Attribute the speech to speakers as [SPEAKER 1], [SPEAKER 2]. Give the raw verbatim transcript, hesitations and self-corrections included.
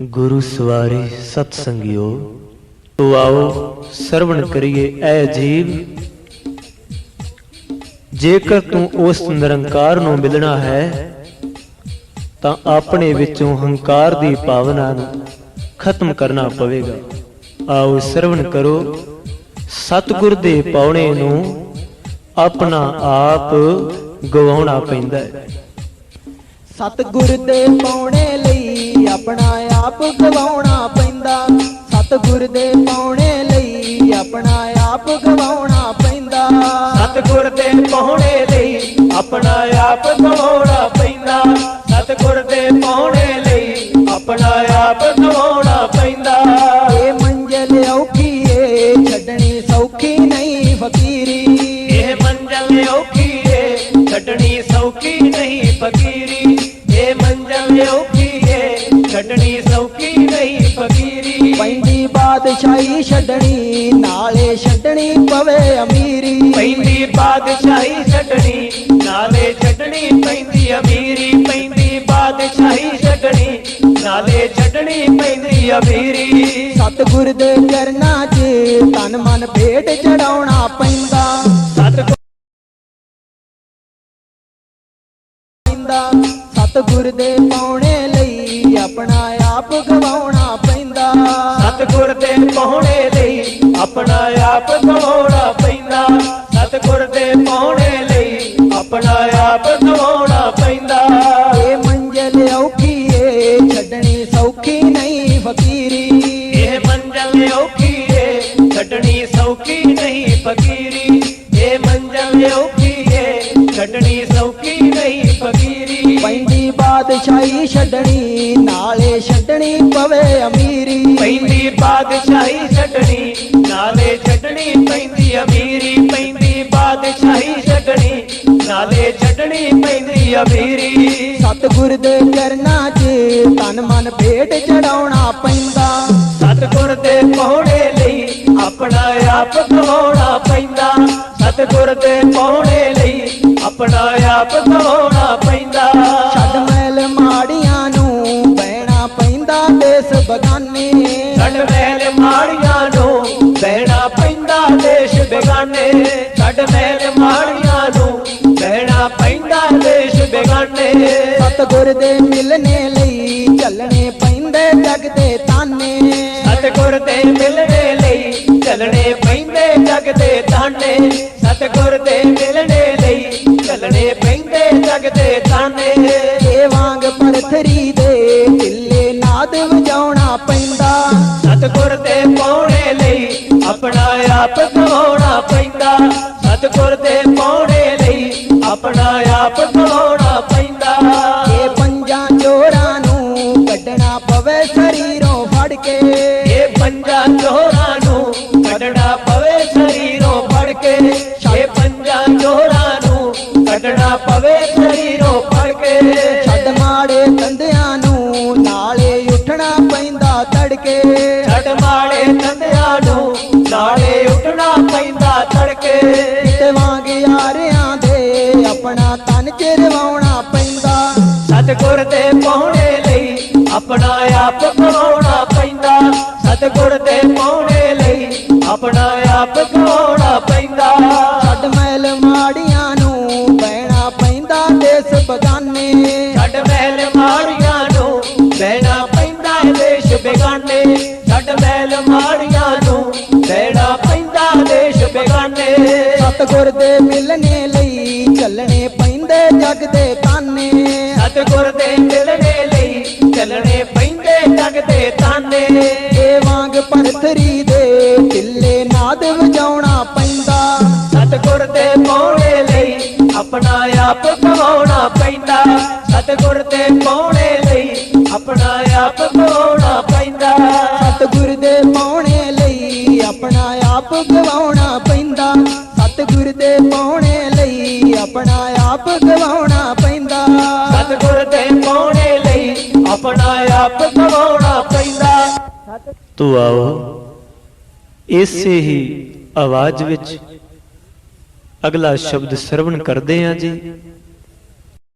[SPEAKER 1] गुरु सवारी सतसंगियो, तो आओ सरवण करिए ऐ जीव। जेकर तू उस निरंकार नूं मिलना है तां अपने विचों हंकार दी भावना नूं खत्म करना पवेगा। आओ सरवण करो, सतगुर दे पाउणे नूं अपना आप गवाउणा पैंदा है।
[SPEAKER 2] सतगुर दे पाउणे लई अपना आप गवाउणा पैंदा। सतगुर दे पाउणे लई अपना आप गवाउणा पैंदा।
[SPEAKER 3] सतगुर दे पाउणे लई अपना आप गवाउणा पैंदा। सतगुर दे पाउणे लई अपना आप गवाउणा पैंदा।
[SPEAKER 2] ये मंजिल औखी ए छड्डनी सौखी नहीं फकीरी।
[SPEAKER 3] ये मंजिल औखी ए छड्डनी सौखी नहीं फकीरी। ये मंजिल औखी ए छड्डनी सौखी नहीं फकीरी।
[SPEAKER 2] पैंदी बादशाही छड्डनी नाले छड्डनी पवे अमीरी।
[SPEAKER 3] पैंदी बादशाही छड्डनी नाले छड्डनी पैंदी अमीरी। पैंदी बादशाही छड्डनी नाले छड्डनी पैंदी अमीरी।
[SPEAKER 2] सतगुर दे चरनां च तन मन भेट चढ़ाउणा पैंदा।
[SPEAKER 3] सतगुर
[SPEAKER 2] सतगुर दे पाउणे लई अपना आप गवाउणा पैंदा।
[SPEAKER 3] सतगुर दे पाउणे लई अपना आप गवाउणा पैंदा। सतगुर दे पाउणे लई अपना आप गवाउणा पैंदा।
[SPEAKER 2] ये मंजिल औखी ए छड्डनी सौखी नहीं फकीरी।
[SPEAKER 3] ये मंजिल औखी ए छड्डनी सौखी नहीं फकीरी। ये मंजिल औखी ए छड्डनी सौखी नहीं फकीरी।
[SPEAKER 2] पैंदी बादशाही छड्डनी नाले छड्डनी पवे अमीरी।
[SPEAKER 3] पैंदी बादशाही छड्डनी नाले छड्डनी पैंदी अमीरी। पैंदी बादशाही छड्डनी नाले छड्डनी पैंदी अमीरी।
[SPEAKER 2] सतगुर दे चरनां च तन मन भेट चढ़ाउणा पैंदा।
[SPEAKER 3] सतगुर दे पाउणे लई अपना आप गवाउणा पैंदा। सतगुर दे पाउणे लई अपना आप गवाउणा पैंदा।
[SPEAKER 2] छड्ड मैल माड़ियां नूं बहना पैंदा देस बगाने।
[SPEAKER 3] छड्ड मैल माड़ियां नूं बहना पैंदा देश बेगाने। छड्ड मैल माड़ियां नूं बहना पैंदा देश बेगाने।
[SPEAKER 2] सतगुर दे मिलने लई चलने पैंदे जग दे ताने।
[SPEAKER 3] सतगुर दे मिलने लई चलने पैंदे जग दे ताने। सतगुर दे मिलने लई चलने पैंदे जग दे ताने।
[SPEAKER 2] ए वांग परथरी दे ढिल्ले नाद वजाउणा पैंदा।
[SPEAKER 3] सतगुर दे पाउणे लई अपना आप गवाउणा पैंदा। सतगुर दे पाउणे लई अपना आप गवाउणा पैंदा।
[SPEAKER 2] ए पंजां चोरां नूं कड्ढना पवे शरीरों फड़ के।
[SPEAKER 3] ये पंजां चोरां नूं कड्ढना पवे शरीरों फड़ के। ये पंजां चोरां नूं कड्ढना पवे शरीरों फड़ के।
[SPEAKER 2] छड्ड माड़े तंदियां नूं नाले उठना पैंदा तड़के।
[SPEAKER 3] छड्ड माड़े तंदियां नूं नाले उठना पैंदा तड़के।
[SPEAKER 2] ते वांग यारियां दे अपना तन चिरवाउणा पैंदा।
[SPEAKER 3] सतगुर दे पाउणे लई अपना आप गवाउणा पैंदा। सतगुर दे पाउणे लई अपना आप गवाउणा पैंदा।
[SPEAKER 2] छड्ड मैल माड़ियां नूं बहना पैंदा देस बगाने।
[SPEAKER 3] छड्ड मैल माड़ियां नूं बहना पैंदा देश बेगाने। छड्ड मैल माड़ियां नूं बहना पैंदा देश बेगाने।
[SPEAKER 2] सतगुर दे मिलने लई चलने पैंदे जग दे ताने।
[SPEAKER 3] सतगुर दे मिलने लई चलने पैंदे जग दे ताने।
[SPEAKER 2] ए वांग परथरी दे ढिल्ले नाद वजाउणा पैंदा।
[SPEAKER 3] सतगुर दे पाउणे लई अपना आप गवाउणा पैंदा। सतगुर दे पाउणे लई अपना आप गवाउणा पैंदा।
[SPEAKER 2] सतगुर दे पाउणे लई अपना आप गवाउणा पैंदा। सतगुर दे पाउणे लई अपना आप गवाउणा पैंदा।
[SPEAKER 3] सतगुर दे पाउणे लई अपना आप गवाउणा पैंदा।
[SPEAKER 1] तो आओ इसे ही आवाज विच अगला शब्द सरवण करदे हां जी।